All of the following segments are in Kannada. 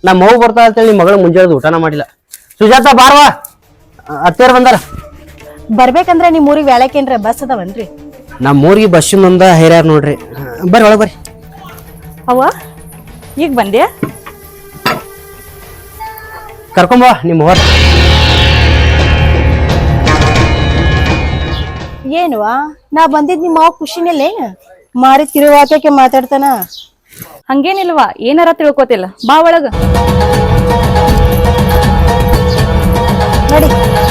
ನಮ್ಮ ಮಗು ಬರ್ತಾ ಅಂತೇಳಿ ನಿಮ್ಮ ಮಗಳ ಮುಂಜಾನೆ ಊಟನ ಮಾಡಿಲ್ಲ. ಸುಜಾತ ಬಾರ್ವಾ, ಅತ್ತೇರ್ ಬಂದಾರ. ಬರ್ಬೇಕಂದ್ರೆ ನಿಮ್ ಊರಿಗೆ ವ್ಯಾಳಕೇನ್ರ ಬಸ್ ಅದಾವನ್ರಿ? ನಮ್ಮ ಊರಿಗೆ ಬಸ್ಸಿನೊಂದ ಹೈರ್ಯಾರ ನೋಡ್ರಿ. ಬರ್ರಿ ಒಳಗೆ ಬರ್ರಿ. ಅವ್ವ ಈಗ ಬಂದ್ಯಾ? ಕರ್ಕೊಂಬ ನಿಮ್ಮ ಹೊರ. ಏನುವಾ ನಾ ಬಂದಿದ್ ನಿಮ್ಮ ಮಾವ ಖುಷಿನಲ್ಲೇ ಮಾರಿ ತಿರುವಾತಕ್ಕೆ ಮಾತಾಡ್ತಾನ. ಹಂಗೇನಿಲ್ವಾ, ಏನಾರ ತಿಳ್ಕೊತಿಲ್ಲ, ಬಾ ಒಳಗ. ನೋಡಿ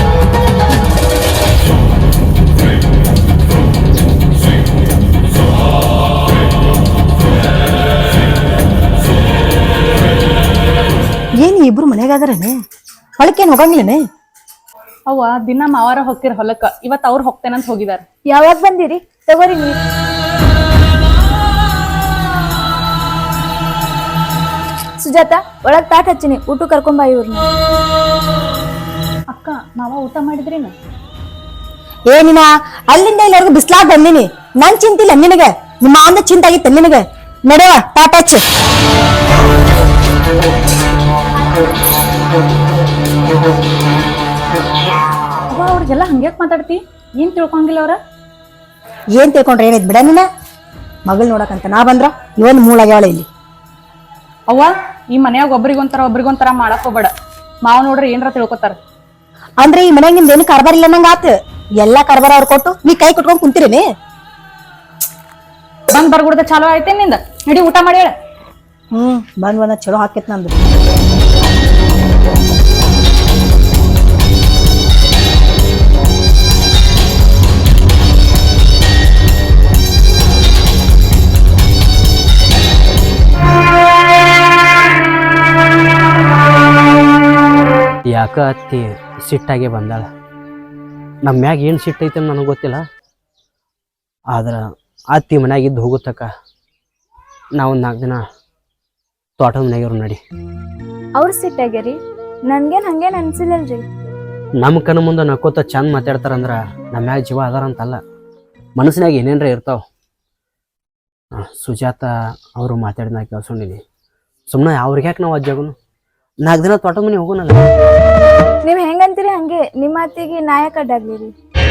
ಏನ್ ಇಬ್ರು ಮನೆಗಾದ್ರನೆ ಹೊಳಕೇನ್ ಹೋಗಂಗಿಲ್ಲನೆ? ಅವ್ವ ದಿನ ಮಾವಾರ ಹೋಗ್ತಿರ ಹೊಲಕ್ಕ, ಇವತ್ ಅವ್ರು ಹೋಗ್ತೇನಂತ ಹೋಗಿದಾರ. ಯಾವಾಗ ಬಂದಿರಿ? ತಗೋರಿ ನೀ. ಸುಜಾತ ಒಳಗ್ ತಾಟ್ ಹಚ್ಚಿನಿ, ಊಟ ಕರ್ಕೊಂಬ ಇವ್ರನ್ನ. ಅಕ್ಕ ಮಾವ ಊಟ ಮಾಡಿದ್ರೇನು? ಏನಿನ ಅಲ್ಲಿಂದ ಇಲ್ಲಿವರೆಗೂ ಬಿಸ್ಲಾಗ್ ಬಂದಿನಿ, ನನ್ ಚಿಂತಿಲ್ಲ ನಿನಗೆ, ನಿಮ್ಮ ಅಂದ ಚಿಂತ ಆಗಿತ್ತ ನಿನಗೆ. ನಡೆವ ತಾಟ್ ಹಚ್ಚ. ಅವ್ವ ಅವ್ರಿಗೆಲ್ಲ ಹಂಗ್ಯಾಕ್ ಮಾತಾಡ್ತಿ? ಏನ್ ತಿಳ್ಕೊಂಗಿಲ್ಲ ಅವ್ರ? ಏನ್ ತಿಳ್ಕೊಂಡ್ರೆ ಏನೈತ್ ಬಿಡ ನೀನ. ಮಗಳ್ ನೋಡಕಂತ ನಾ ಬಂದ್ರ ಇವನ್ ಮೂಳಾಗ್ಯಾವಳ ಇಲ್ಲಿ. ಅವ್ವ ಈ ಮನ್ಯಾಗ ಒಬ್ರಿಗೊಂತರ ಮಾಡಕ್ ಹೋಗ್ಬೇಡ. ಮಾವ ನೋಡ್ರಿ ಏನ್ರ ತಿಳ್ಕೊತಾರ. ಅಂದ್ರೆ ಈ ಮನ್ಯಾಗ ನಿಮ್ದ ಏನು ಕಾರ್ಬಾರ್ ಇಲ್ಲ ನಂಗ ಆತ. ಎಲ್ಲಾ ಕಾರ್ಬಾರ ಅವ್ರ ಕೊಟ್ಟು ನೀ ಕೈ ಕೊಟ್ಕೊಂಡ್ ಕುಂತಿರೇನೆ. ಬಂದ್ ಬರ್ಗುಡ್ದ ಚಾಲೋ ಆಯ್ತೇನ್ ನಿಂದ? ನಡಿ ಊಟ ಮಾಡಿ ಹೇಳ. ಬಂದ್ ಚಲೋ ಹಾಕೇತ್ ನಂದು. ಯಾಕ ಅತ್ತಿ ಸಿಟ್ಟಾಗೆ ಬಂದಾಳ. ನಮ್ಮ ಮ್ಯಾಗ ಏನು ಸಿಟ್ಟೈತೆ ನನಗೆ ಗೊತ್ತಿಲ್ಲ. ಆದ್ರೆ ಅತ್ತಿ ಮನ್ಯಾಗಿದ್ದು ಹೋಗುತ್ತಕ್ಕ ನಾವು 4 ದಿನ ತೋಟದ ಮನೆಯಾಗಿರು ನಡಿ. ಅವ್ರ ಸಿಟ್ಟಾಗ್ಯಾರಿ, ನನ್ಗೇನ್ ಹಂಗೇನ್ ಅನ್ಸಿಲ್ಲಲ್ರಿ. ನಮ್ಮ ಕಣ್ಣು ಮುಂದೆ ನಕ್ಕೋತ ಚಂದ ಮಾತಾಡ್ತಾರಂದ್ರೆ ನಮ್ಮ ಮ್ಯಾಗ ಜೀವ ಅದಾರಂತಲ್ಲ, ಮನಸ್ಸಿನಾಗ ಏನೇನ್ರ ಇರ್ತಾವ. ಸುಜಾತ ಅವರು ಮಾತಾಡಿದ ಕೇಳ್ಸೊಂಡಿನಿ. ಸುಮ್ಮನೆ ಅವ್ರಿಗೆ ಯಾಕೆ ನಾವು ಅಜ್ಜಾಗುನು 4 ದಿನ ತೋಟದ ಮನೆ ಹೋಗೋಣಲ್ಲ. ನೀವ್ ಹೆಂಗಂತೀರಿ ಹಂಗೆ, ನಿಮ್ಮ ಮಾತಿಗೆ ನಾಯಕ ಅಡ್ಡಾಗ್ಲಿರಿ.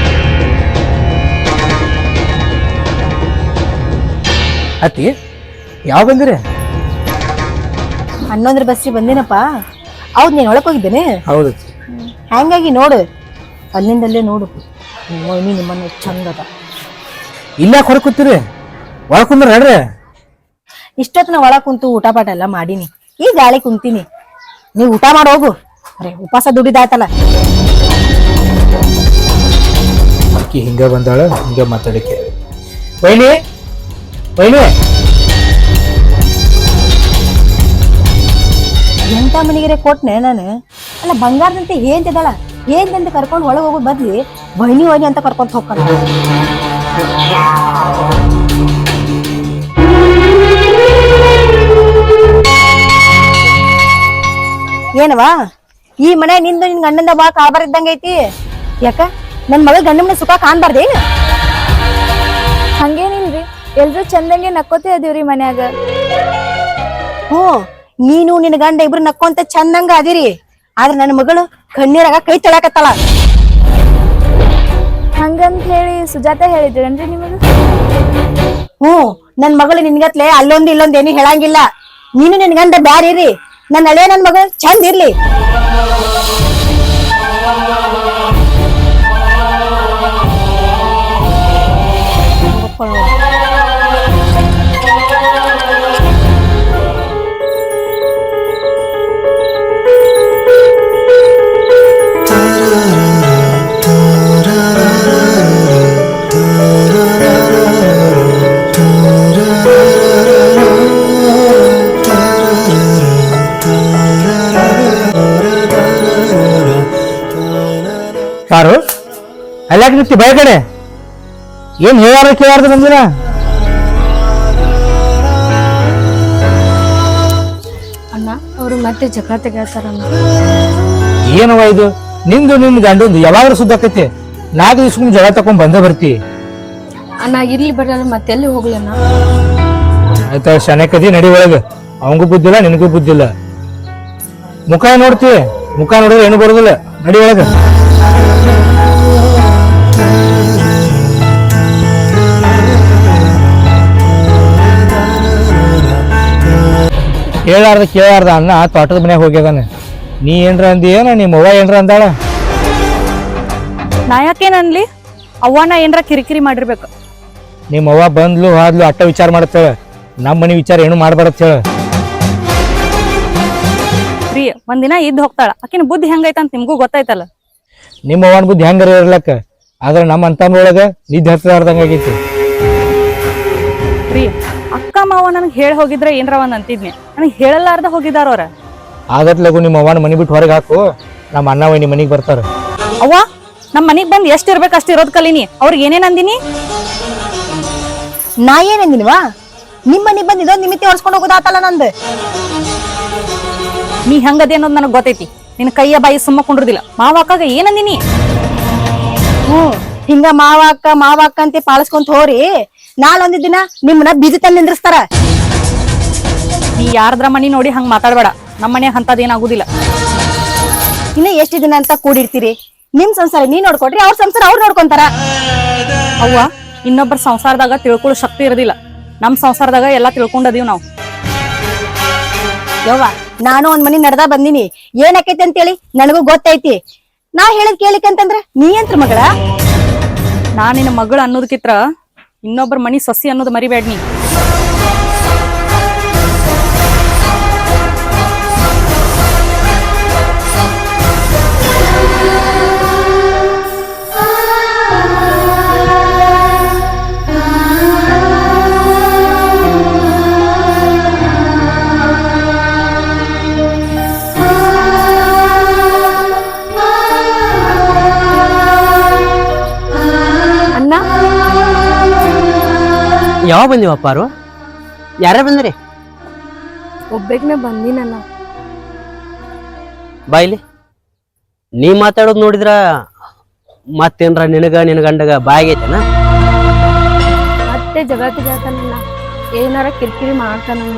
ಅತ್ತಿ ಯಾವ ಬಂದಿರಿ? ಹನ್ನೊಂದ್ರ ಬಸ್ಸಿ ಬಂದೇನಪ್ಪ. ಹೌದ್ ನೀನ್ ಒಳಕ್ ಹೋಗಿದ್ದೇನೆ? ಹೌದು. ಹಂಗಾಗಿ ನೋಡು, ಅಲ್ಲಿಂದಲ್ಲೇ ನೋಡು ನೀ ನಿಮ್ಮನ್ನ ಚಂದ ಅದ. ಇಲ್ಲ ಹೊರ ಕೂತೀರಿ, ಒಳ ಕುಂದ್ರ ನಡ್ರಿ. ಇಷ್ಟೊತ್ತು ನಾ ಒಳ ಕುಂತು ಊಟ ಪಾಟ ಎಲ್ಲ ಮಾಡೀನಿ, ಈಗ ಗಾಳಿ ಕುಂತೀನಿ. ನೀವ್ ಊಟ ಮಾಡಿ ಹೋಗು. ಅರೆ ಉಪವಾಸ ದುಡಿದಾಯ್ತಲ್ಲ. ಆಕಿ ಹಿಂಗ ಬಂದಾಳ, ಹಿಂಗ ಮಾತಾಡಕ್ಕೆ. ವೈನಿ ವೈನಿ ಎಂತ ಮನೆಗೆ ಕೊಟ್ನೆ ನಾನು. ಅಲ್ಲ ಬಂಗಾರದಂತೆ ಏನ್ತಿದ್ದಾಳ, ಏನ್ದಂತ ಕರ್ಕೊಂಡು ಒಳಗೆ ಹೋಗೋ ಬದ್ಲಿ ವೈನಿ ವೈನಿ ಅಂತ ಕರ್ಕೊಂತ ಹೋಗ್ತಾಳ. ಏನವಾ ಈ ಮನೆ ನಿಂದು ನಿನ್ ಗಂಡಂದ ಬಾ ಕಾರ್ಬಾರ್ ಇದ್ದಂಗ ಐತಿ. ಯಾಕ ನನ್ ಮಗಳ ಗಂಡ ಮನೆ ಸುಖ ಕಾಣ್ಬಾರ್ದೇನು? ಹಂಗೇನಿಲ್ರಿ, ಎಲ್ರು ಚಂದಂಗೆ ನಕ್ಕೋತೇ ಅದೀವ್ರಿ ಮನ್ಯಾಗ. ನೀನು ನಿನ್ ಗಂಡ ಇಬ್ರು ನಕ್ಕೊಂತ ಚಂದಂಗ ಅದಿರಿ. ಆದ್ರೆ ನನ್ನ ಮಗಳು ಕಣ್ಣೀರಾಗ ಕೈ ತೊಳಕತ್ತಳ. ಹಂಗಂತ ಹೇಳಿ ಸುಜಾತ ಹೇಳಿದ್ರೇನ್ರಿ ನಿಮಗ? ನನ್ ಮಗಳು ನಿನ್ಗತ್ಲೆ ಅಲ್ಲೊಂದು ಇಲ್ಲೊಂದ್ ಏನು ಹೇಳಂಗಿಲ್ಲ. ನೀನು ನಿನ್ ಗಂಡ ಬ್ಯಾರಿರಿ, ನನ್ನ ಹಳೆ ನನ್ ಮಗಳು ಚಂದ ಇರ್ಲಿ. ಯಾರು ಅಲ್ಲಾಕ ನಿಂತಿ ಬಯ ಕಡೆ ಏನ್ ಹೇಳಾರ ಕೇಳಾರ್ದು ನಮ್ದಿನ? ಅಣ್ಣ ಅವ್ರು ಮತ್ತೆ ಜಗಳ ತೆಗಾತಾರ. ಏನವ ಇದು? ನಿಂದು ನಿನ್ ಗಂಡಂದು ಯಾವಾಗ್ಲೂ ಸುದ್ದಾಕೈತಿ. 4 ದಿವ್ಸಕ್ಕೊಮ್ಮೆ ಜಗಳ ತಕೊಂಡ್ ಬಂದ ಬರ್ತಿ. ಅಣ್ಣ ಇರ್ಲಿ ಬರಲ್ಲ, ಮತ್ತೆಲ್ಲಿ ಹೋಗ್ಲಣ್ಣ. ಆಯ್ತಾ ಶನಕದಿ ನಡಿ ಒಳಗ. ಅವಂಗೂ ಬುದ್ಧಿಲ್ಲ, ನಿನಗೂ ಬುದ್ಧಿಲ್ಲ. ಮುಖ ನೋಡ್ತಿ, ಮುಖ ನೋಡಿದ್ರೆ ಏನು ಬರೋದಿಲ್ಲ. ನಡಿ ಒಳಗ. ಕೇಳಾರ್ದ ಅನ್ನ ತೋಟದ ಮನ್ಯಾಗ ಹೋಗ್ಯದಾನೆ. ನೀ ಏನ್ರ ಅಂದಿ ಏನ, ನಿಮ್ಮ ಅವ್ವ ಏನ್ರ ಅಂದಾಳ? ನಾ ಯಾಕೇನನ್ಲಿ? ಅವ್ವನ ಏನ್ರ ಕಿರಿಕಿರಿ ಮಾಡಿರ್ಬೇಕು. ನಿಮ್ಮ ಅವ್ವ ಬಂದ್ಲು ಹಾದ್ಲು ಅಟ್ಟ ವಿಚಾರ ಮಾಡತ್ತೇಳ, ನಮ್ಮ ಮನಿ ವಿಚಾರ ಏನು ಮಾಡ್ಬಾರತ್ ಹೇಳ. ಪ್ರಿಯ ಒಂದಿನ ಇದ್ದು ಹೋಗ್ತಾಳ, ಆಕಿನ ಬುದ್ಧಿ ಹೆಂಗೈತಂತ ನಿಮ್ಗೂ ಗೊತ್ತಾಯ್ತಲ್ಲ. ನಿಮ್ಮ ಅವ್ವನ ಬುದ್ಧಿ ಹೆಂಗಾರ ಇರ್ಲಕ್ಕ, ಆದ್ರೆ ನಮ್ಮ ಅಂತನೊಳಗ ನಿದ್ದೆ ಹತ್ತಲಾರ್ದಂಗ ಆಗೈತಿ. ಪ್ರಿಯ ಅಕ್ಕ ಮಾವ ನನಗೆ ಹೇಳಿ ಹೋಗಿದ್ರೆ ಏನ್ರ ಒಂದ್ ಅಂತಿದ್ನಿ, ನನಗೆ ಹೇಳಲಾರ್ದ ಹೋಗಿದಾರ ಅವ್ರ. ಆಗತ್ಲಗು ನಿಮ್ಮ ಅವ್ವನ ಮನಿ ಬಿಟ್ಟು ಹೊರಗೆ ಹಾಕು, ನಮ್ಮ ಅಣ್ಣ ವೈನಿ ಮನಿಗೆ ಬರ್ತಾರ. ಅವ್ವ ನಮ್ ಮನಿಗ್ ಬಂದ್ ಎಷ್ಟ್ ಇರ್ಬೇಕು ಅಷ್ಟ್ ಇರೋದ್ ಕಲೀನಿ. ಅವ್ರಿಗೆ ಏನೇನ್ ಅಂದಿನಿ? ನಾ ಏನಂದಿನವಾ? ನಿಮ್ ಮನಿಗ್ ಬಂದ್ ಇದೊಂದ್ ನಿಮಿತಿ ಹೊರ್ಸ್ಕೊಂಡ್ ಹೋಗೋದಾತಲ್ಲ ನಂದು. ನೀ ಹೆಂಗದೆ ಅನ್ನೋದು ನನಗ್ ಗೊತ್ತೈತಿ. ನಿನ್ ಕೈಯ ಬಾಯಿ ಸುಮ್ಮ ಕುಂಡ್ರದಿಲ್ಲ. ಮಾವ ಅಕ್ಕಾಗ ಏನಂದಿನಿ? ಹಿಂಗ ಮಾವ ಅಕ್ಕ ಅಂತ ಪಾಲಿಸ್ಕೊಂತ ಹೋರಿ, ನಾಳೊಂದ್ ದಿನ ನಿಮ್ಮನ್ನ ಬೀದಿ ತಂದ್ ನಿಂದ್ರಿಸ್ತಾರ. ನೀ ಯಾರದ್ರ ಮನಿ ನೋಡಿ ಹಂಗ ಮಾತಾಡ್ಬೇಡ. ನಮ್ಮ ಮನ್ಯಾಗ ಅಂತದೇನಾಗುದಿಲ್ಲ. ಇನ್ನ ಎಷ್ಟ್ ದಿನ ಅಂತ ಕೂಡಿರ್ತೀರಿ? ನಿಮ್ ಸಂಸಾರ ನೀ ನೋಡ್ಕೊಡ್ರಿ, ಅವ್ರ ಸಂಸಾರ ಅವ್ರು ನೋಡ್ಕೊಂತಾರ. ಅವ್ವ ಇನ್ನೊಬ್ಬರ ಸಂಸಾರದಾಗ ತಿಳ್ಕೊಳ್ಳೋ ಶಕ್ತಿ ಇರೋದಿಲ್ಲ. ನಮ್ ಸಂಸಾರದಾಗ ಎಲ್ಲಾ ತಿಳ್ಕೊಂಡದೀವ್ ನಾವ್. ಯವ್ವ ನಾನು ಒಂದ್ ಮನಿ ನಡ್ದಾ ಬಂದಿನಿ, ಏನಾಕೈತಿ ಅಂತೇಳಿ ನನಗೂ ಗೊತ್ತೈತಿ. ನಾ ಹೇಳದ್ ಕೇಳಿಕಂತಂದ್ರ ನೀ ಎಂತ್ರ ಮಗಳ? ನಾ ನಿನ್ನ ಮಗಳು ಅನ್ನೋದಕ್ಕಿತ್ರ ಇನ್ನೊಬ್ಬರ ಮನಿ ಸೊಸಿ ಅನ್ನೋದು ಮರಿಬೇಡ ನೀ. ಯಾವ ಬಂದಿವಪ್ಪಾರು? ಯಾರೇ ಬಂದ್ರಿ? ಒಬ್ಬೆಗ್ನೆ ಬಂದಿನಣ್ಣ. ಬಾಯ್ಲಿ ನೀ ಮಾತಾಡೋದು ನೋಡಿದ್ರ ಮತ್ತೇನ್ರ ನಿನ್ನ ಗಂಡಗ ಬಾಯಾಗೈತೆನ? ಮತ್ತೆ ಜಗಳ ತೆಗಿತಾನಣ್ಣ, ಏನಾರ ಕಿರಿಕಿರಿ ಮಾಡ್ತಾನಣ್ಣ.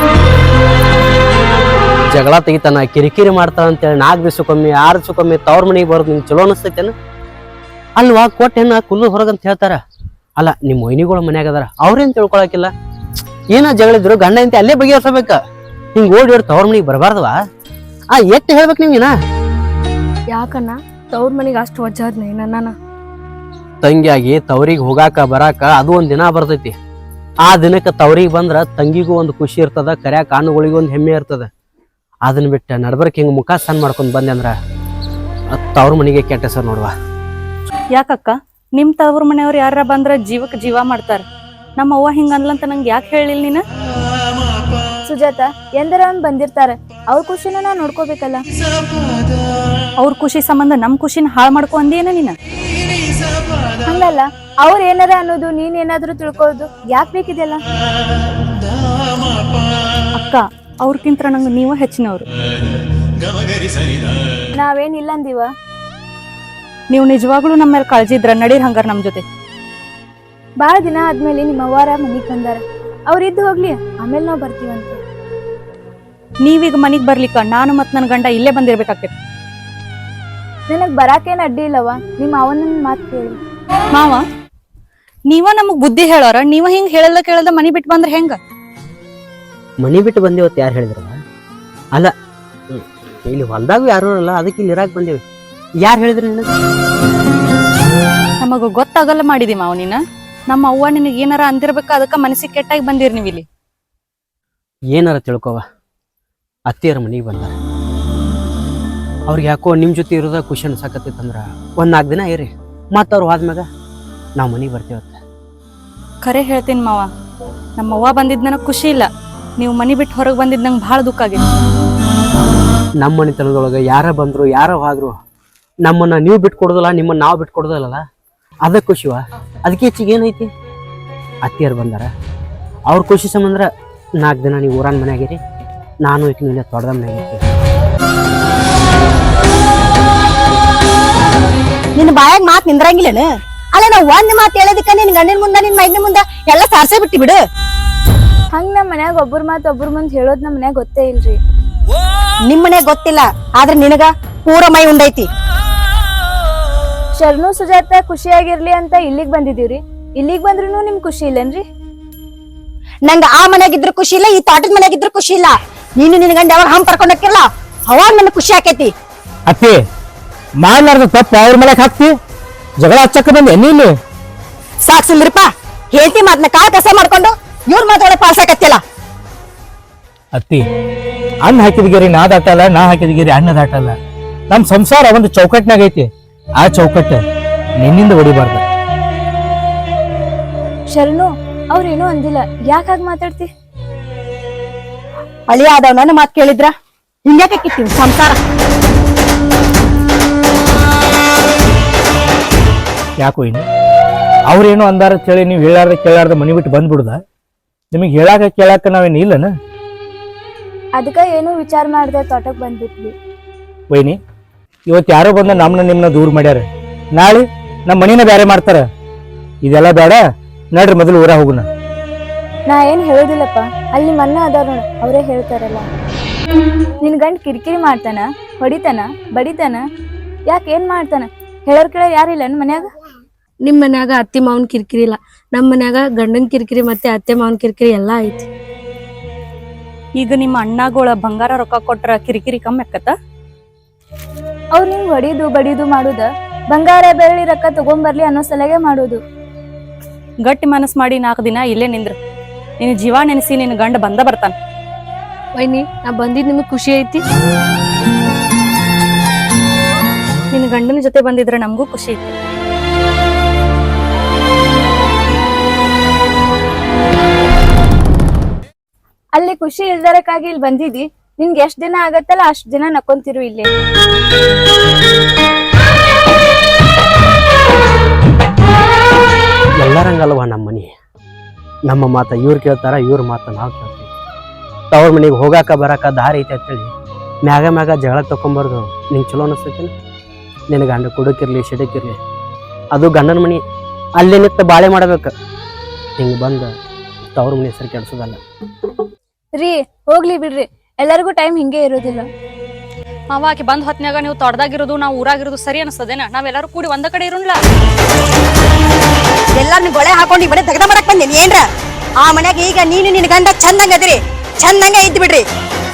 ಜಗಳ ತೆಗಿತಾನ, ಕಿರಿಕಿರಿ ಮಾಡ್ತಾನ ಅಂತೇಳಿ 4 ದಿವ್ಸಕ್ಕೊಮ್ಮೆ 6 ದಿವ್ಸಕ್ಕೊಮ್ಮೆ ತವ್ರ ಮನೆಗೆ ಬರೋದು ನಿಂಗೆ ಚಲೋ ಅನಿಸ್ತೈತೇನ? ಅಲ್ವಾ ಕೊಟ್ಟು ಹೆಣ್ಣ ಕುಲ್ಲು ಹೊರಗಂತ ಹೇಳ್ತಾರ. ಅಲ್ಲ ನಿಮ್ಮ ಮೊಯ್ನಿಗಳು ಮನ್ಯಾಗ ಅದಾರ, ಅವ್ರೇನ್ ತಿಳ್ಕೊಳಕಿಲ್ಲ. ಏನ ಜಗಳಿದ್ರು ಗಂಡ ಅಂತ ಅಲ್ಲೇ ಬಗೆಹರಿಸಬೇಕ. ಹಿಂಗ್ ಓಡಿ ತವ್ರ ಮನಿಗೆ ಬರಬಾರ್ದವಾ? ಎಟ್ಟು ಹೇಳ್ಬೇಕು ನೀವಿನ? ಯಾಕಣ್ಣ ತವ್ರ ಮನಿಗೆ ಅಷ್ಟು ವಜ್ಜಾದ್ನೆ ನನ್ನ? ತಂಗಿಯಾಗಿ ತವ್ರಿಗೆ ಹೋಗಾಕ ಬರಾಕ ಅದು ಒಂದ್ ದಿನ ಬರ್ತೈತಿ. ಆ ದಿನಕ್ಕೆ ತವ್ರಿಗೆ ಬಂದ್ರ ತಂಗಿಗೂ ಒಂದು ಖುಷಿ ಇರ್ತದ, ಕರ್ಯಾಕ ಕಾನುಗಳಿಗೂ ಒಂದು ಹೆಮ್ಮೆ ಇರ್ತದ. ಅದನ್ನ ಬಿಟ್ಟು ನಡ್ಬರ್ಕ್ ಹಿಂಗ ಮುಖ ಸಣ್ಣ ಮಾಡ್ಕೊಂಡ್ ಬಂದೆ ಅಂದ್ರ ತವ್ರ ಮನಿಗೆ ಕೆಟ್ಟ ಹೆಸರು ನೋಡುವ. ಯಾಕಕ್ಕ ನಿಮ್ ತವ್ರ ಮನೆಯವ್ರು ಯಾರ ಬಂದ್ರ ಜೀವಕ್ಕೆ ಜೀವ ಮಾಡ್ತಾರ. ನಮ್ಮ ಅವ್ವ ಹಿಂಗ ಅನ್ಲಂತ ನಂಗೆ ಯಾಕೆ ಹೇಳಿಲ್ಲ ನೀನ? ಸುಜಾತ ಎಂದರ ಬಂದಿರ್ತಾರ, ಅವ್ರ ಖುಷಿನ ನಾ ನೋಡ್ಕೋಬೇಕಲ್ಲ. ಅವ್ರ ಖುಷಿ ಸಂಬಂಧ ನಮ್ ಖುಷಿನ ಹಾಳು ಮಾಡ್ಕೊ ಅಂದೇನ ನೀನ? ಹಂಗಲ್ಲ, ಅವ್ರ ಏನಾರ ಅನ್ನೋದು ನೀನ್ ಏನಾದ್ರು ತಿಳ್ಕೊಳ್ಳೋದು ಯಾಕೆ ಬೇಕಿದೆಲ್ಲ? ಅಕ್ಕ ಅವ್ರಕ್ಕಿಂತ ನಂಗೆ ನೀವು ಹೆಚ್ಚಿನವ್ರು. ನಾವೇನಿಲ್ಲ ಅಂದಿವ. ನೀವು ನಿಜವಾಗ್ಲೂ ನಮ್ಮ ಮೇಲೆ ಕಾಳಜಿ ಇದ್ರ ನಡೀರ್ ಹಂಗಾರ ನಮ್ ಜೊತೆ. ಬಾಳ ದಿನ ಆದ್ಮೇಲೆ ನಿಮ್ಮ ಅವ್ವಾರ ಮನಿಗ್ ಬಂದಾರ, ಅವ್ರ ಇದ್ದು ಹೋಗ್ಲಿ, ಆಮೇಲೆ ನಾವ್ ಬರ್ತೀವಂತ. ನೀವೀಗ ಮನಿಗ್ ಬರ್ಲಿಕ್ಕ ನಾನು ಮತ್ ನನ್ ಗಂಡ ಇಲ್ಲೇ ಬಂದಿರ್ಬೇಕಾಗ್ತೈತಿ. ನನಗ್ ಬರಾಕೇನ್ ಅಡ್ಡಿ ಇಲ್ಲವ, ನಿಮ್ಮ ಅವನ ಮಾತು ಕೇಳಿ. ಮಾವ ನೀವ ನಮಗ್ ಬುದ್ಧಿ ಹೇಳೋರ, ನೀವ ಹಿಂಗ್ ಹೇಳಲ್ಲ ಕೇಳದ ಮನಿ ಬಿಟ್ಟು ಬಂದ್ರ ಹೆಂಗ? ಮನಿ ಬಿಟ್ಟು ಬಂದೇವತ್ತು ಯಾರು ಹೇಳಿದ್ರಲ್ಲ? ಅಲ್ಲ ಇಲ್ಲಿ ಹೊಲ್ದಾಗ ಯಾರು ಅಲ್ಲ, ಅದಕ್ಕೆ ಇಲ್ಲಿ ಇರಾಕ್ ಬಂದೇವಿ. ಯಾರು ಹೇಳಿದ್ರಿ ನಿನಗೆ? ನಮಗ ಗೊತ್ತಾಗಲ್ಲ ಮಾಡಿದಿ ಮಾವ ನೀನ. ನಮ್ಮ ಅವ್ವ ನಿನಗೆ ಏನಾರ ಅಂದಿರ್ಬೇಕ, ಅದಕ್ಕ ಮನಸ್ಸಿಗೆ ಕೆಟ್ಟಾಗಿ ಬಂದಿರ್ ನೀವ್ ಇಲ್ಲಿ. ಏನಾರ ತಿಳ್ಕೊವ, ಅತ್ತಿಯರ ಮನಿಗೆ ಬಂದಾರ. ಅವ್ರಿಗೆ ಯಾಕೋ ನಿಮ್ ಜೊತೆ ಇರೋದ ಖುಷಿ ಅನ್ಸಾಕತ್ತೈತಂದ್ರ 1-4 ದಿನ ಇರಿ, ಮತ್ತ ಅವ್ರು ಹೋದ್ಮ್ಯಾಗ ನಾವ್ ಮನಿಗೆ ಬರ್ತೀವತ್ತ. ಖರೆ ಹೇಳ್ತೀನಿ ಮಾವ, ನಮ್ಮ ಅವ್ವ ಬಂದಿದ್ ನನಗ್ ಖುಷಿ ಇಲ್ಲ. ನೀವು ಮನಿ ಬಿಟ್ಟು ಹೊರಗೆ ಬಂದಿದ್ ನಂಗೆ ಭಾಳ ದುಃಖ ಆಗೈತಿ. ನಮ್ಮ ಮನಿತನದೊಳಗ ಯಾರ ಬಂದ್ರು ಯಾರ ಹೋದ್ರು ನಮ್ಮನ್ನ ನೀವು ಬಿಟ್ಕೊಡೋದಿಲ್ಲ, ನಿಮ್ಮನ್ನ ನಾವು ಬಿಟ್ಕೊಡೋದಿಲ್ಲಲ್ಲ, ಅದ ಖುಷಿವ. ಅದಕ್ಕೆ ಹೆಚ್ಚಿಗೆ ಏನೈತಿ? ಅತ್ತಿಯರು ಬಂದಾರ, ಅವ್ರ ಖುಷಿ ಸಂಬಂಧ 4 ದಿನ ನೀವು ಊರನ್ ಮನ್ಯಾಗಿರಿ, ನಾನು ಈಗ ನೀನೆ ತೊಡ್ದ ಮನ್ಯಾಗಿರ್ತೀವಿ. ನಿನ್ನ ಬಾಯಾಗ ಮಾತ್ ನಿಂದ್ರಂಗಿಲ್ಲನ? ಅಲ್ಲ ನಾವ್ ಒಂದ್ ಮಾತ್ ಹೇಳೋದಕ್ಕ ನಿನ್ ಗಂಡಿನ ಮುಂದ ನಿನ್ ಮೈದಿನ ಮುಂದ ಎಲ್ಲ ಸಾರ್ಸೇ ಬಿಟ್ಟಿ ಬಿಡು. ಹಂಗ ನಮ್ ಮನ್ಯಾಗ ಒಬ್ಬರ ಮಾತು ಒಬ್ಬರ ಮುಂದ್ ಹೇಳೋದ್ ನಮ್ ಮನ್ಯಾಗ ಗೊತ್ತೇ ಇಲ್ರಿ. ನಿಮ್ಮನೆ ಗೊತ್ತಿಲ್ಲ ಆದ್ರೆ ನಿನಗ ಪೂರ ಮೈ ಉಂಡೈತಿ. ಶರಣು ಸುಜಾತ ಖುಷಿಯಾಗಿರ್ಲಿ ಅಂತ ಇಲ್ಲಿಗ್ ಬಂದಿದೀವ್ರಿ. ಇಲ್ಲಿಗ್ ಬಂದ್ರೂ ನಿಮ್ ಖುಷಿ ಇಲ್ಲನ್ರಿ? ನಂಗ ಆ ಮನ್ಯಾಗಿದ್ರು ಖುಷಿ ಇಲ್ಲ, ಈ ತೋಟದ ಮನ್ಯಾಗಿದ್ರು ಖುಷಿ ಇಲ್ಲ. ನೀನು ನಿನ್ ಗಂಡ ಯಾವಾಗ ಹಂಗ್ ಕರ್ಕೊಂಡ್ ಹೋಗಿರಲ್ಲ ಅವಾಗ ನನ್ ಖುಷಿ ಆಕೈತಿ. ಅತ್ತಿ ಮಾಡ್ಲಾರ್ದ ತಪ್ಪ ಅವ್ರ ಮೇಲೆ ಹಾಕ್ತಿ, ಜಗಳ ಹಚ್ಚಕ್ಕ ಬಂದೆ ನೀನು. ಸಾಕ್ ಸುಂದ್ರಪ್ಪ, ಹೇಳ್ತಿ ಮಾತ್ನ ಕಾಲ್ ಕಸ ಮಾಡ್ಕೊಂಡು ಇವ್ರ ಮಾತಾಡ ಪಾಲ್ಸಾಕತ್ತಿಲ್ಲ. ಅತ್ತಿ ಅನ್ನ ಹಾಕಿದ ಗೆರಿ ನಾ ದಾಟಲ್ಲ, ನಾ ಹಾಕಿದ ಗೆರಿ ಅನ್ನ ದಾಟಲ್ಲ. ನಮ್ ಸಂಸಾರ ಒಂದು ಚೌಕಟ್ನಾಗ ಐತಿ, ಆ ಚೌಕಟ್ಟು ನಿನ್ನಿಂದ ಹೊಡಿಬಾರ್ದ. ಶರಣು ಅವ್ರೇನು ಅಂದಿಲ್ಲ, ಯಾಕೆ ಹಾಗೆ ಮಾತಾಡ್ತಿ? ಅಳಿ ಆದವ್ ನನ್ನ ಮಾತ್ ಕೇಳಿದ್ರ ಹಿಂಗ್ಯಾಕೆ ಕಿತ್ತೀವಿ ಸಂಸಾರ? ಯಾಕೋ ಇನ್ನು ಅವ್ರೇನು ಅಂದಾರ ಹೇಳಿ ನೀವು ಹೇಳಾರ್ದ ಕೇಳಾರ್ದ ಮನಿ ಬಿಟ್ಟು ಬಂದ್ಬಿಡುದ? ನಿಮಗೆ ಹೇಳಾಕ ಕೇಳಾಕ ನಾವೇನು ಇಲ್ಲನ? ಅದಕ್ಕ ಏನು ವಿಚಾರ ಮಾಡ್ದೆ ತೋಟಕ್ ಬಂದ್ಬಿಟ್ವಿ. ವೈನಿ ಇವತ್ತು ಯಾರೋ ಬಂದ ನಮ್ಮನ್ನ ನಿಮ್ಮನ್ನ ದೂರ ಮಾಡ್ಯಾರ, ನಾಳೆ ನಮ್ಮ ಮನಿನ ಬೇರೆ ಮಾಡ್ತಾರ. ಇದೆಲ್ಲ ಬೇಡ, ನಡ್ರಿ ಮೊದಲು ಊರ ಹೋಗುಣ. ನಾ ಏನ್ ಹೇಳೋದಿಲ್ಲಪ್ಪ, ಅಲ್ಲಿ ನಿಮ್ಮ ಅಣ್ಣ ಅದಾರ ನೋಡ, ಅವರೇ ಹೇಳ್ತಾರಲ್ಲ. ನಿನ್ ಗಂಡ ಕಿರಿಕಿರಿ ಮಾಡ್ತಾನ, ಹೊಡಿತಾನ, ಬಡಿತಾನ, ಯಾಕೆ ಏನ್ ಮಾಡ್ತಾನ? ಹೇಳೋರ್ ಕೇಳ ಯಾರಿಲ್ಲ ಮನ್ಯಾಗ? ನಿಮ್ ಮನ್ಯಾಗ ಅತ್ತಿ ಮಾವನ್ ಕಿರಿಕಿರಿ ಇಲ್ಲ, ನಮ್ ಮನ್ಯಾಗ ಗಂಡನ್ ಕಿರಿಕಿರಿ ಮತ್ತೆ ಅತ್ತೆ ಮಾವನ್ ಕಿರಿಕಿರಿ ಎಲ್ಲಾ ಐತಿ. ಈಗ ನಿಮ್ಮ ಅಣ್ಣಗಳ ಬಂಗಾರ ರೊಕ್ಕ ಕೊಟ್ರ ಕಿರಿಕಿರಿ ಕಮ್ಮಿ ಆಕತ್ತ? ಅವ್ರು ನಿಂಗ್ ಹೊಡಿದು ಬಡಿದು ಮಾಡುದ ಬಂಗಾರ ಬೆಳ್ಳಿ ರೊಕ್ಕ ತಗೊಂಬರ್ಲಿ ಅನ್ನೋ ಸಲಗೆ ಮಾಡುದು. ಗಟ್ಟಿ ಮನಸ್ ಮಾಡಿ 4 ದಿನ ಇಲ್ಲೇ ನಿಂದ್ರು. ನಿನ್ ಜೀವ ನೆನೆಸಿ ನಿನ್ ಗಂಡ ಬಂದ ಬರ್ತಾನ. ವೈನಿ ನಾ ಬಂದಿದ್ ನಿಮಗ್ ಖುಷಿ ಐತಿ? ನಿನ್ ಗಂಡನ ಜೊತೆ ಬಂದಿದ್ರೆ ನಮಗೂ ಖುಷಿ ಐತಿ. ಅಲ್ಲಿ ಖುಷಿ ಇಲ್ದರಕ್ಕಾಗಿ ಇಲ್ಲಿ ಬಂದಿದಿ. ನಿನ್ಗೆ ಎಷ್ಟ್ ದಿನ ಆಗತ್ತಲ್ಲ ಅಷ್ಟ್ ದಿನ ನಕ್ಕೊಂತಿರು ಇಲ್ಲೇ. ಎಲ್ಲರಂಗಲ್ವಾ ನಮ್ಮ ಮನಿ. ನಮ್ಮ ಮಾತ ಇವ್ರು ಕೇಳ್ತಾರ, ಇವ್ರ ಮಾತ ನಾವು ಕೇಳ್ತೀವಿ. ತವ್ರ ಮನೆಗೆ ಹೋಗಾಕ ಬರಾಕ ದಾರಿ ಐತೆ ಅಂತೇಳಿ ಮ್ಯಾಗ ಜಗಳ ತಕೊಂಬಾರ್ದು. ನಿಂಗೆ ಚಲೋ ಅನಿಸ್ತೈತಿ? ನಿನ್ನ ಗಂಡ ಕುಡಕಿರ್ಲಿ ಸಿಡಕಿರ್ಲಿ ಅದು ಗಂಡನ ಮನಿ, ಅಲ್ಲೇ ನಿಂತು ಬಾಳೆ ಮಾಡ್ಬೇಕು. ಹಿಂಗೆ ಬಂದು ತವ್ರ ಮನೆ ಹೆಸರು ಕೆಡ್ಸೋದಲ್ಲ ರೀ. ಹೋಗ್ಲಿ ಬಿಡ್ರಿ, ಎಲ್ಲರಿಗೂ ಟೈಮ್ ಹಿಂಗೆ ಇರೋದಿಲ್ಲ. ಆಕಿ ಬಂದ್ ಹೊತ್ನ್ಯಾಗ ನೀವು ತೊಡ್ದಾಗಿರೋದು ನಾವು ಊರಾಗಿರೋದು ಸರಿ ಅನಿಸ್ತದೇನ? ನಾವೆಲ್ಲರೂ ಕೂಡಿ ಒಂದ ಕಡೆ ಇರೋನ್ಲ? ಎಲ್ಲಾರ್ನ ಗೊಳೆ ಹಾಕೊಂಡು ಬರೀ ತೆಗ್ದ ಮಾಡಕ್ ಬಂದೇನಿ ಏನ್ರ? ಆ ಮನ್ಯಾಗ ಈಗ ನೀನು ನಿನ್ ಗಂಡ ಚಂದಂಗ ಅದಿರಿ, ಚಂದಂಗ ಇದ್ ಬಿಡ್ರಿ.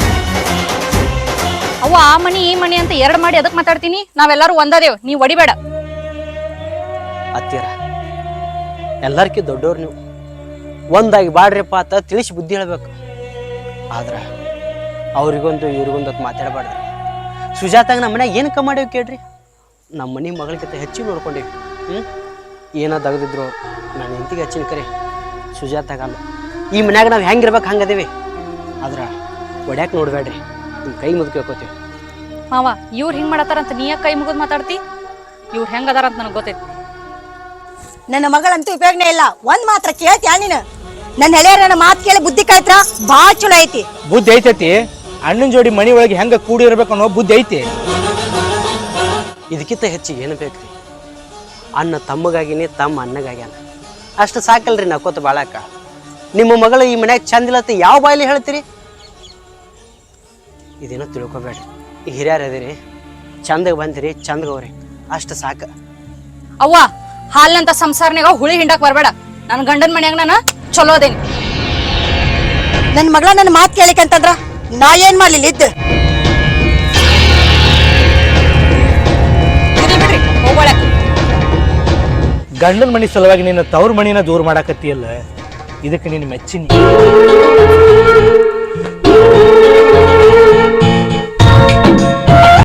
ಅವ ಆ ಮನಿ ಈ ಮನಿ ಅಂತ 2 ಮಾಡಿ ಅದಕ್ ಮಾತಾಡ್ತೀನಿ. ನಾವೆಲ್ಲರೂ ಒಂದದೇವ್, ನೀವ್ ಒಡಿಬೇಡ. ಅತ್ತೀರ ಎಲ್ಲರ್ಕಿ ದೊಡ್ಡವ್ರು ನೀವು, ಒಂದಾಗಿ ಬಾಡ್ರಿಪ್ಪ ಅಂತ ತಿಳಿಸಿ ಬುದ್ಧಿ ಹೇಳ್ಬೇಕು. ಆದ್ರ ಅವ್ರಿಗೊಂದು ಇವ್ರಿಗೊಂದು ಅಂತ ಮಾತಾಡಬಾರ್ದ್ರಿ. ಸುಜಾತಾಗ ನಮ್ಮ ಮನ್ಯಾಗ ಏನು ಕಮ್ಮಿ ಮಾಡೇವಿ ಕೇಳ್ರಿ? ನಮ್ಮ ಮನೆ ಮಗಳಿಗಿಂತ ಹೆಚ್ಚಿಗೆ ನೋಡ್ಕೊಂಡೇವಿ. ಏನೋ ತೆಗೆದಿದ್ರು ನಾನು ಹೆಂಡತಿಗೆ ಹೆಚ್ಚಿನ ಕರೆ, ಸುಜಾತಾಗಲ್ಲ. ಈ ಮನ್ಯಾಗ ನಾವು ಹೆಂಗಿರ್ಬೇಕು ಹಂಗದೇವಿ. ಆದ್ರ ಒಡ್ಯಾಕ ನೋಡ್ಬೇಡ್ರಿ, ನಿಮ್ಮ ಕೈ ಮುದುಕಿ ಹೋಗ್ಕೋತೀವಿ. ಮಾವ ಇವ್ರು ಹಿಂಗ್ ಮಾಡತ್ತಾರಂತ ನೀ ಯಾಕೆ ಕೈ ಮುಗಿದ್ ಮಾತಾಡ್ತಿ? ಇವ್ರು ಹೆಂಗ್ ಅದಾರಂತ ನನಗೆ ಗೊತ್ತೈತಿ. ನನ್ನ ಮಗಳಂತೂ ಉಪಯೋಗನೇ ಇಲ್ಲ. ಒಂದ್ ಮಾತ್ರ ಕೇಳ್ತೀಯ ನೀನು? ನನ್ನ ಹೆಳೆಯರ ನನ್ನ ಮಾತು ಕೇಳಿ ಬುದ್ಧಿ ಕಲ್ತ್ರ ಬಾಳ ಚಲೋ ಐತಿ. ಬುದ್ಧಿ ಐತೈತಿ, ಅಣ್ಣನ ಜೋಡಿ ಮನಿ ಒಳಗೆ ಹೆಂಗ ಕೂಡಿ ಇರ್ಬೇಕು ಅನ್ನೋ ಬುದ್ಧಿ ಐತಿ. ಇದಕ್ಕಿಂತ ಹೆಚ್ಚಿಗೆ ಏನು ಬೇಕ್ರಿ? ಅಣ್ಣ ತಮ್ಮಗಾಗಿನಿ, ತಮ್ಮ ಅಣ್ಣಗಾಗ್ಯಾನ, ಅಷ್ಟು ಸಾಕಲ್ರಿ ನಕ್ಕೋತ ಬಾಳಾಕ. ನಿಮ್ಮ ಮಗಳು ಈ ಮನ್ಯಾಗ ಚಂದಿಲ್ಲತ್ತ ಯಾವ ಬಾಯಲ್ಲಿ ಹೇಳ್ತೀರಿ? ಇದೇನೋ ತಿಳ್ಕೊಬೇಡ್ರಿ. ಈ ಹಿರಿಯರ್ ಅದಿರಿ, ಚಂದಗ ಬಂದಿರಿ, ಚಂದಗವ್ರಿ, ಅಷ್ಟು ಸಾಕ. ಅವ್ವ ಹಾಲ್ನಂತ ಸಂಸಾರನಾಗ ಹುಳಿ ಹಿಂಡಕ್ ಬರ್ಬೇಡ. ನನ್ ಗಂಡನ ಮನ್ಯಾಗ ನಾನು ಚಲೋ ಅದೇನಿ. ನನ್ನ ಮಗಳ ನನ್ನ ಮಾತು ಕೇಳಿಕಂತಂದ್ರ ನಾ ಏನ್ ಮಾಡ್ಲಿಲ್ಲ ಇದ್ದು? ಬಿಡ್ರಿ ಹೋಗೋಳ. ಗಂಡನ ಮನಿ ಸಲುವಾಗಿ ನಿನ್ನ ತವ್ರ ಮನಿನ ದೂರ ಮಾಡಾಕತ್ತಿಯಲ್ಲ, ಇದಕ್ಕೆ ನೀನು ಮೆಚ್ಚಿನಿ.